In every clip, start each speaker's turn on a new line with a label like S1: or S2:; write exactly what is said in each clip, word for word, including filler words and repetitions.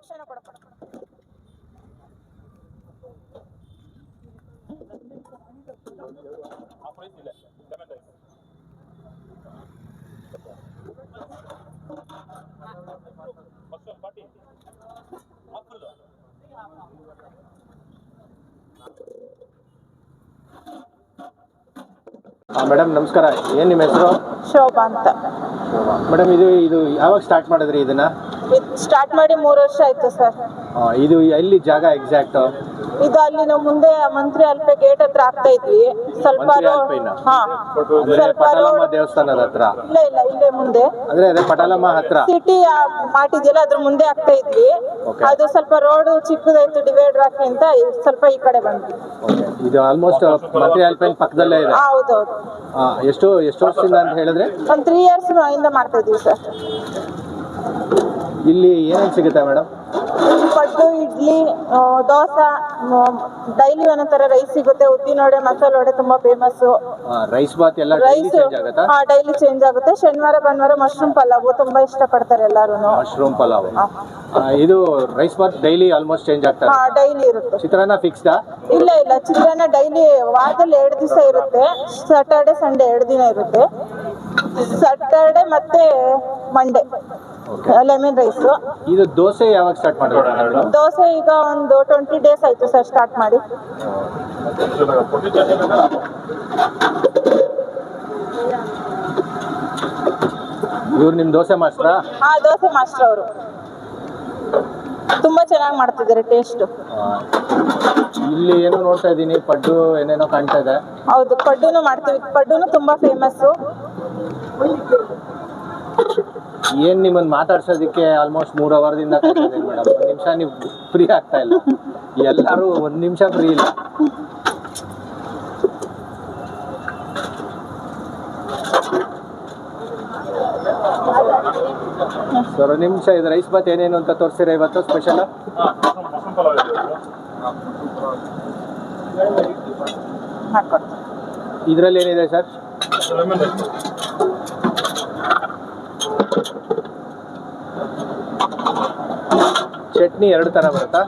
S1: ತಕ್ಷಣ ಕೊಡಪ್ಪ.
S2: ಮೇಡಮ್ ನಮಸ್ಕಾರ, ಏನ್ ನಿಮ್ಮ ಹೆಸರು?
S1: ಶೋಭಾ ಅಂತ.
S2: ಮೇಡಮ್ ಇದು ಇದು ಯಾವಾಗ ಸ್ಟಾರ್ಟ್ ಮಾಡಿದ್ರಿ ಇದನ್ನ?
S1: ಸ್ಟಾರ್ಟ್ ಮಾಡಿ ಮೂರು ವರ್ಷ ಆಯ್ತು ಸರ್.
S2: ಇದು ಎಲ್ಲಿ ಜಾಗ ಎಕ್ಸಾಕ್ಟ್?
S1: ಇದು ಅಲ್ಲಿ ನಾವು ಮುಂದೆ ಮಂತ್ರಿ ಅಲ್ಪೆ ಗೇಟ್ ಹತ್ರ ಆಗ್ತಾ ಇದ್ವಿ. ಸ್ವಲ್ಪ
S2: ಪಟಾಲಮ್ಮ ದೇವಸ್ಥಾನದ ಹತ್ರ?
S1: ಇಲ್ಲ ಇಲ್ಲ, ಇಲ್ಲೇ ಮುಂದೆ
S2: ಅಂದ್ರೆ ಅದೇ ಪಟಾಲಮ್ಮ ಹತ್ರ
S1: ಸಿಟಿ ಮಾಡಿದ್ಯಲ್ಲ ಅದ್ರ ಮುಂದೆ ಆಗ್ತಾ ಇದ್ವಿ. ಅದು ಸ್ವಲ್ಪ ರೋಡ್ ಚಿಕ್ಕದಾಯ್ತು, ಡಿವೈಡರ್ ಹಾಕಿ ಅಂತ ಸ್ವಲ್ಪ ಈ ಕಡೆ ಬಂದ್ವಿ.
S2: ಇದು ಆಲ್ಮೋಸ್ಟ್ ಮಂತ್ರಿ ಅಲ್ಪೈನ್ ಪಕ್ಕದಲ್ಲೇ ಇದೆ.
S1: ಹೌದೌದು.
S2: ಎಷ್ಟು ಎಷ್ಟು ವರ್ಷದಿಂದ ಅಂತ ಹೇಳಿದ್ರೆ?
S1: ಒಂದು ತ್ರೀ ಇಯರ್ಸ್ ಇಂದ ಮಾಡ್ತಾ ಇದ್ವಿ ಸರ್.
S2: ಇಲ್ಲಿ ಏನೇನು ಸಿಗುತ್ತೆ ಮೇಡಮ್?
S1: ಪಡ್ಡು, ಇಡ್ಲಿ, ದೋಸೆ, ಡೈಲಿ ಒಂದೊಂದರ ರೈಸ್ ಸಿಗುತ್ತೆ. ಉದ್ದಿನ ವಡೆ, ಮಸಾಲೆ ವಡೆ ತುಂಬಾ ಫೇಮಸ್.
S2: ರೈಸ್ ಬಾತ್ ಎಲ್ಲ
S1: ರೈಸ್ ಡೈಲಿ ಚೇಂಜ್ ಆಗುತ್ತೆ. ಶನಿವಾರ ಭಾನುವಾರ ಮಶ್ರೂಮ್ ಪಲಾವ್ ತುಂಬಾ ಇಷ್ಟ ಪಡ್ತಾರೆ ಎಲ್ಲಾರು.
S2: ಮಶ್ರೂಮ್ ಪಲಾವ್ ಇದು rice bath daily almost change ಆಗ್ತದೆ?
S1: ಡೈಲಿ ಇರುತ್ತೆ.
S2: ಚಿತ್ರಾನ್ನ ಫಿಕ್ಸ್ಡಾ? ಇಲ್ಲ
S1: ಇಲ್ಲ, ಚಿತ್ರಾನ್ನ ಡೈಲಿ ವಾರದಲ್ಲಿ ಎರಡು ದಿವಸ ಇರುತ್ತೆ. ಸ್ಯಾಟರ್ಡೆ ಸಂಡೇ ಎರಡು ದಿನ ಇರುತ್ತೆ. ಸ್ಯಾಟರ್ಡೆ ಮತ್ತೆ ಮಂಡೇ ಲೆಮನ್ ರೈಸ್.
S2: ಇದು ದೋಸೆ ಯಾವಾಗ ಸ್ಟಾರ್ಟ್ ಮಾಡಿದ್ರು?
S1: ದೋಸೆ ಈಗ ಒಂದು ಟ್ವೆಂಟಿ ಡೇಸ್ ಆಯ್ತು ಸರ್ ಸ್ಟಾರ್ಟ್ ಮಾಡಿ.
S2: ಇವ್ರು ನಿಮ್ ದೋಸೆ ಮಾಸ್ಟ್ರಾ?
S1: ಹಾ, ದೋಸೆ ಮಾಸ್ಟರ್ ಅವರು. ತುಂಬಾ ಚೆನ್ನಾಗಿ ಮಾಡ್ತಿದ್ದಾರೆ, ಟೇಸ್ಟ್.
S2: ಇಲ್ಲಿ ಏನೋ ನೋಡ್ತಾ ಇದ್ದೀನಿ, ಪಡ್ಡು ಏನೇನೋ ಕಾಣ್ತಾ ಇದೆ.
S1: ಹೌದು, ಪಡ್ಡುನು ಮಾಡ್ತೀವಿ. ಪಡ್ಡುನು ತುಂಬಾ ಫೇಮಸ್.
S2: ಏನ್ ನಿಮ್ಮನ್ನ ಮಾತಾಡ್ಸೋದಕ್ಕೆ ಆಲ್ಮೋಸ್ಟ್ ಮೂರ್ ಅವರ್ದಿಂದ ಮೇಡಮ್. ಒಂದ್ ನಿಮಿಷ ನೀವು ಫ್ರೀ ಆಗ್ತಾ ಇಲ್ಲ. ಎಲ್ಲಾರು ಒಂದ್ ನಿಮಿಷ ಫ್ರೀ ಇಲ್ಲ. ಸರ್ ಒಂದ್ ನಿಮಿಷ, ಇದು ರೈಸ್ ಬಾತ್ ಏನೇನು ಅಂತ ತೋರಿಸಿರ ಇವತ್ತು ಸ್ಪೆಷಲ್? ಇದ್ರಲ್ಲಿ ಏನಿದೆ ಸರ್? ಚಟ್ನಿ ಎರಡು ತರ ಬರುತ್ತಾ?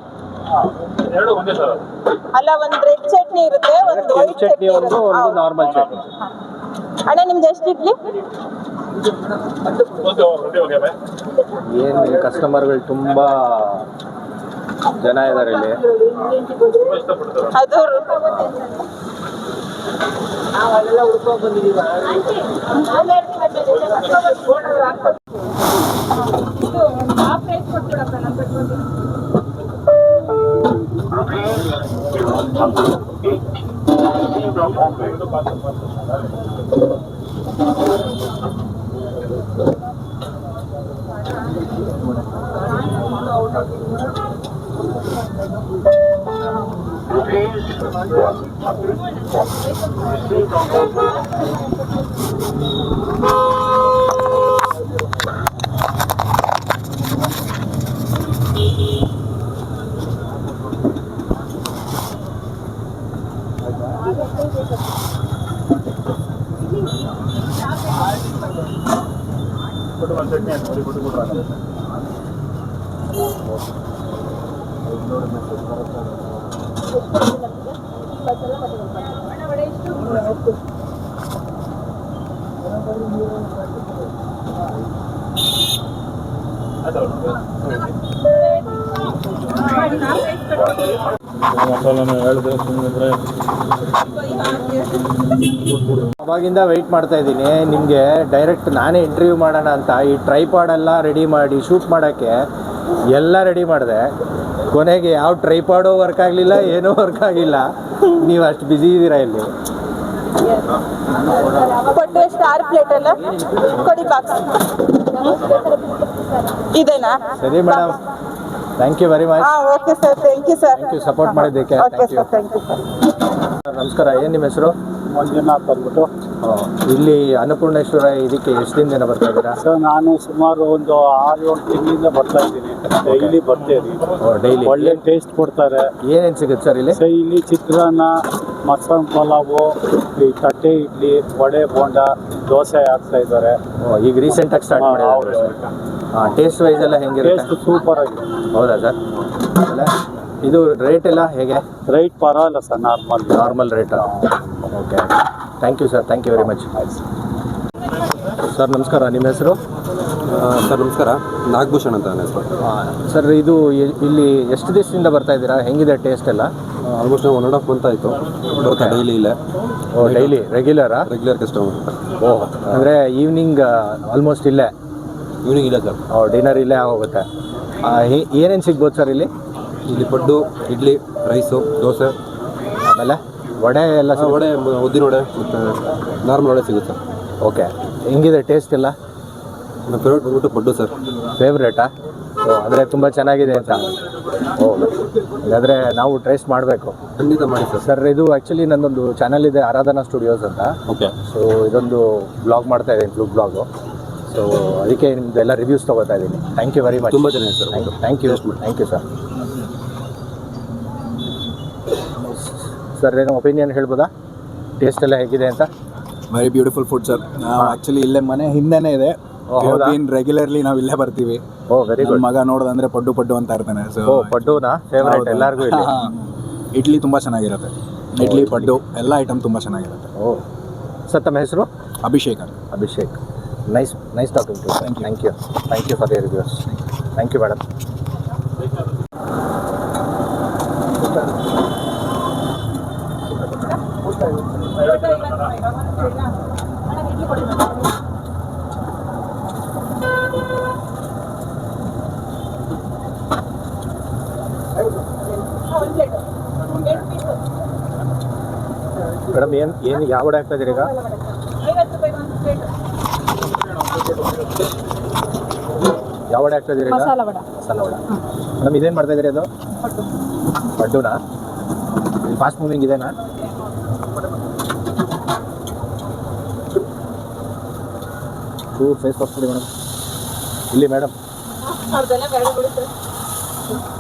S1: ಅಲ್ಲ, ಒಂದು ರೆಡ್ ಚಟ್ನಿ ಇರುತ್ತೆ, ಒಂದು ವೈಟ್
S2: ಚಟ್ನಿ, ಒಂದು ಒಂದು ನಾರ್ಮಲ್ ಚಟ್ನಿ.
S1: ಅಣ್ಣ ನಿಮ್ದು ಎಷ್ಟು ಇಡ್ಲಿ?
S2: ಏನು ಕಸ್ಟಮರ್ಗಳು ತುಂಬಾ ಜನ ಇದ್ದಾರೆ ಇಲ್ಲಿ.
S1: ಅದು
S3: ನಾವೆಲ್ಲ ಹುಡ್ಕೊಂಡ್ ಬಂದಿದ್ದೀವಿ.
S2: ಅವಾಗಿಂದ ವೆಯ್ಟ್ ಮಾಡ್ತಾ ಇದ್ದೀನಿ ನಿಮಗೆ. ಡೈರೆಕ್ಟ್ ನಾನೇ ಇಂಟರ್ವ್ಯೂ ಮಾಡೋಣ ಅಂತ ಈ ಟ್ರೈಪಾಡ್ ಎಲ್ಲ ರೆಡಿ ಮಾಡಿ ಶೂಟ್ ಮಾಡೋಕ್ಕೆ ಎಲ್ಲ ರೆಡಿ ಮಾಡಿದೆ. ಕೊನೆಗೆ ಯಾವ ಟ್ರೈಪಾಡು ವರ್ಕ್ ಆಗಲಿಲ್ಲ, ಏನೂ ವರ್ಕ್ ಆಗಿಲ್ಲ. ನೀವು ಅಷ್ಟು ಬ್ಯುಸಿ ಇದ್ದೀರಾ ಇಲ್ಲಿ.
S1: ಕೊಟ್ಟು ಸ್ಟಾರ್ ಪ್ಲೇಟ್ ಅಲ್ಲ ಕೊಡಿ, ಬಾಕ್ಸ್ ಇದೇನಾ?
S2: ಸರಿ madam, thank you very much.
S1: Okay sir, thank you sir.
S2: Thank you support ಮಾಡಿದ್ದಕ್ಕೆ.
S1: Okay sir, thank you sir.
S2: ನಮಸ್ಕಾರ, ಏನು ನಿಮ್ಮ ಹೆಸರು?
S4: ಮಂಜುನಾಥ್ ಅಂದ್ಬಿಟ್ಟು.
S2: ಇಲ್ಲಿ ಅನ್ನಪೂರ್ಣೇಶ್ವರ ಇದಕ್ಕೆ ಎಷ್ಟು ದಿನದಿಂದ ಬರ್ತಾ ಇದ್ದೀರಾ?
S4: ಸರ್ ನಾನು ಸುಮಾರು ಒಂದು ಆರು ಏಳು ತಿಂಗಳಿಂದ ಬರ್ತಾ ಇದ್ದೀನಿ. ಡೈಲಿ ಬರ್ತೇನೆ.
S2: ಡೈಲಿ
S4: ಒಳ್ಳೆ ಟೇಸ್ಟ್ ಕೊಡ್ತಾರೆ.
S2: ಏನೇನು ಸಿಗುತ್ತೆ ಸರ್ ಇಲ್ಲಿ?
S4: ಸರ್ ಇಲ್ಲಿ ಚಿತ್ರಾನ್ನ, ಮಸಾಲೆ ಪಲಾವು, ಈ ತಟ್ಟೆ ಇಡ್ಲಿ, ವಡೆ, ಬೋಂಡ, ದೋಸೆ ಹಾಕ್ತಾ ಇದ್ದಾರೆ.
S2: ಈಗ ರೀಸೆಂಟಾಗಿ ಸ್ಟಾರ್ಟ್ ಮಾಡಿದ್ದಾರೆ. ಹಾಂ ಟೇಸ್ಟ್ ವೈಸ್ ಎಲ್ಲ ಹೆಂಗಿರುತ್ತೆ?
S4: ಟೇಸ್ಟ್ ಸೂಪರ್ ಆಗಿದೆ.
S2: ಹೌದಾ ಸರ್? ಆಮೇಲೆ ಇದು ರೇಟ್ ಎಲ್ಲ ಹೇಗೆ?
S4: ರೈಟ್ ಪರವಾಗಿಲ್ಲ ಸರ್, ನಾರ್ಮಲ್
S2: ನಾರ್ಮಲ್ ರೇಟಾ? Okay, thank you sir, thank you very much. Sir ನಮಸ್ಕಾರ, ನಿಮ್ಮ ಹೆಸರು?
S5: ಸರ್ ನಮಸ್ಕಾರ, ನಾಗಭೂಷಣ್ ಅಂತ ನನ್ನ ಹೆಸರು.
S2: ಸರ್ ಇದು ಇ- ಇಲ್ಲಿ ಎಷ್ಟು ದಿವಸದಿಂದ ಬರ್ತಾ ಇದ್ದೀರಾ? ಹೆಂಗಿದೆ ಟೇಸ್ಟ್ ಎಲ್ಲ?
S5: Almost one and half month ಆಯಿತು ಬರ್ತಾ ಡೈಲಿ ಇಲ್ಲೇ.
S2: ಓ ಡೈಲಿ ರೆಗ್ಯುಲರಾ?
S5: Regular customer.
S2: ಓಹ್ ಅಂದರೆ ಈವ್ನಿಂಗ್ ಆಲ್ಮೋಸ್ಟ್ ಇಲ್ಲೇ?
S5: ಈವ್ನಿಂಗ್ ಇಲ್ಲ ಸರ್,
S2: ಓ ಡಿನ್ನರ್ ಇಲ್ಲೇ ಆಗೋಗುತ್ತೆ. ಏನೇನು ಸಿಗ್ಬೋದು ಸರ್ ಇಲ್ಲಿ?
S5: ಇಲ್ಲಿ ಪಡ್ಡು, ಇಡ್ಲಿ, ರೈಸು, ದೋಸೆ,
S2: ಆಮೇಲೆ ವಡೆ ಎಲ್ಲ
S5: ಆ, ವಡೆ, ಮ- ಉದ್ದಿನ ವಡೆ ಮತ್ತು ನಾರ್ಮಲ್ ವಡೆ ಸಿಗುತ್ತೆ ಸರ್.
S2: ಓಕೆ, ಹೆಂಗಿದೆ ಟೇಸ್ಟ್ ಎಲ್ಲ?
S5: ನನ್ನ ಫೇವ್ರೇಟ್ ಬಂದ್ಬಿಟ್ಟು ಪಡ್ಡು ಸರ್.
S2: ಫೇವ್ರೇಟಾ? ಓ ಅಂದರೆ ತುಂಬ ಚೆನ್ನಾಗಿದೆ ಅಂತ? ಓ ಹಾಗಾದರೆ ನಾವು ಟ್ರೇಸ್ ಮಾಡಬೇಕು.
S5: ಖಂಡಿತ ಮಾಡಿ ಸರ್.
S2: ಸರ್ ಇದು ಆ್ಯಕ್ಚುಲಿ ನನ್ನೊಂದು ಚಾನಲ್ ಇದೆ, ಆರಾಧನಾ ಸ್ಟುಡಿಯೋಸ್ ಅಂತ.
S5: ಓಕೆ.
S2: ಸೊ ಇದೊಂದು ಬ್ಲಾಗ್ ಮಾಡ್ತಾ ಇದ್ದೀನಿ, ಫುಡ್ ಬ್ಲಾಗು. ಸೊ ಅದಕ್ಕೆ ನಿಮ್ಮದು ಎಲ್ಲ ರಿವ್ಯೂಸ್ ತೊಗೋತಾ ಇದ್ದೀನಿ. Thank you very much.
S5: ತುಂಬ ಚೆನ್ನಾಗಿದೆ sir.
S2: Thank you thank you sir. Sir ಏನೋ ಒಪಿನಿಯನ್ ಹೇಳ್ಬೋದಾ ಟೇಸ್ಟ್ ಎಲ್ಲ ಹೇಗಿದೆ ಅಂತ?
S6: Very beautiful food sir. ನಾವು ಆ್ಯಕ್ಚುಲಿ ಇಲ್ಲೇ ಮನೆ ಹಿಂದೆನೇ ಇದೆ.
S2: ಹೌದಾ?
S6: ರೆಗ್ಯುಲರ್ಲಿ ನಾವು ಇಲ್ಲೇ ಬರ್ತೀವಿ.
S2: ಓ ವೆರಿ
S6: ನನ್ನ
S2: ಗುಡ್.
S6: ಮಗ ನೋಡೋದಂದ್ರೆ ಪಡ್ಡು ಪಡ್ಡು ಅಂತ ಇರ್ತಾನೆ. ಸೊ
S2: ಓ ಪಡ್ಡುನಾ ಫೇವ್ರೇಟ್ ಎಲ್ಲರಿಗೂ ಇಲ್ಲಿ?
S6: ಇಡ್ಲಿ ತುಂಬ ಚೆನ್ನಾಗಿರುತ್ತೆ. ಇಡ್ಲಿ ಪಡ್ಡು ಎಲ್ಲ ಐಟಮ್ ತುಂಬ ಚೆನ್ನಾಗಿರುತ್ತೆ.
S2: ಓ ಸರ್ ತಮ್ಮ ಹೆಸರು?
S6: ಅಭಿಷೇಕ್ ಅಂತ.
S2: Abhishek. Nice nice talking to. Thank you thank you for the reviews. Thank you madam. Madam ಏನು ಏನು ಯಾವ ವಡೆ ಆಗ್ತಾ ಇದ್ದೀರಿ ಈಗ? ಯಾವ ವಡೆ ಆಗ್ತಾ ಇದ್ದೀರಿ ಈಗ?
S1: ಮಸಾಲ ವಡೆ.
S2: ಮಸಾಲ ವಡೆ. ಮೇಡಮ್ ಇದೇನು ಮಾಡ್ತಾ ಇದ್ದೀರಿ ಅದು? ಪಡ್ಡುನಾ? ಫಾಸ್ಟ್ ಮೂವಿಂಗ್ ಇದೆನಾ? ಟೂ ಫೇಸ್ ವಾಶ್ ಕೊಡಿ ಮೇಡಮ್. ಇಲ್ಲಿ ಮೇಡಮ್.
S1: ಅದೆಲ್ಲ ಬೇಡ ಬಿಡು ಸರ್.